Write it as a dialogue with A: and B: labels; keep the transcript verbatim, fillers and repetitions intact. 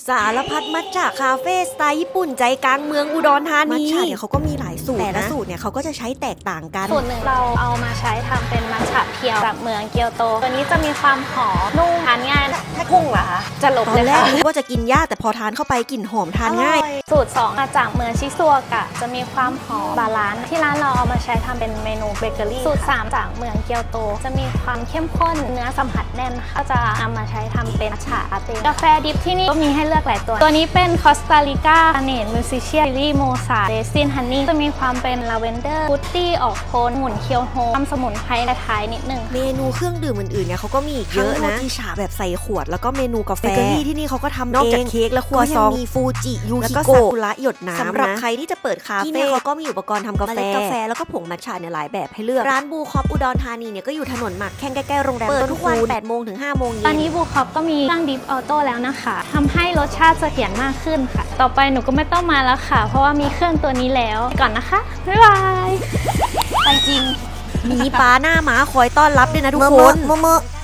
A: สารพัดมัทฉะคาเฟ่สไตล์ญี่ปุ่นใจกลางเมืองอุดรธานีมัทฉะเนี่ยเขาก็มีหลายสูตรแต่ละสูตรเนี่ยเขาก็จะใช้แตกต่างกัน
B: สูตรหนึ่งเราเอามาใช้ทำเป็นมัทฉะเพียวจากเมืองเกียวโตตัวนี้จะมีความหอมนุ่มทานง่ายถ้ากุ้งเหรอคะจะหลบเลยค่ะตอนแรก
A: นึกว่าจะกินยากแต่พอทานเข้าไปกลิ่นหอมทานง่าย
B: สูตรสองมาจากเมืองชิซัวกะจะมีความหอมบาลานซ์ที่ร้านเราเอามาใช้ทำเป็นเมนูเบเกอรี่สูตรสามจากเมืองเกียวโตจะมีความเข้มข้นเนื้อสัมผัสแน่นก็จะนำมาใช้ทำเป็นมัทฉะลาเต้กาแฟดิบที่นี่ก็มีให้เลือกหลายตัวตัวนี้เป็นคอสตาริกาเนตมิวซิเชียลี่โมซาเรซินฮันนี่จะมีความเป็นลาเวนเดอร์ฟุตตี้ออกโทนหมุนเคียวโฮมสมุนไพรและท้ายนิดนึง
A: เมนูเครื่องดื่มอื่นๆเนี่ยเขาก็มีอีกเยอะนะที่ฉาแบบใส่ขวดแล้วก็เมนูกาแฟเบเกอรี่ที่นี่เขาก็ทำเองนอกจากเค้กและครัวซองมีฟูจิยูฮิโกะซากุระหยดน้ำสำหรับใครที่จะเปิดคาเฟ่ที่นี่เขาก็มีอุปกรณ์ทำกาแฟกาแฟแล้วก็ผงมัทฉะเนี่ยหลายแบบให้เลือกร้านบูคอปอุดรธานีเนี่ยก็อยู่ถนนหมากแข้งใกล้ๆโรงแรมเปิดทุกวันแปดโมงถึงห้าโมงเย็น
B: ตอนนี้บูคอปก็มีเครื่องดิฟออโต้แล้วนะคะทำให้รสชาติเสถียรมากขึ้นค่ะต่อไปหนูก็ไม่ต้องมาแล้วค่ะเพราะว่ามีเครื่องตัวนี้แล้วก่อนนะคะบ๊ายบายไปจริง
A: มีป้าหน้าม้าคอยต้อนรับด้วยนะทุกคน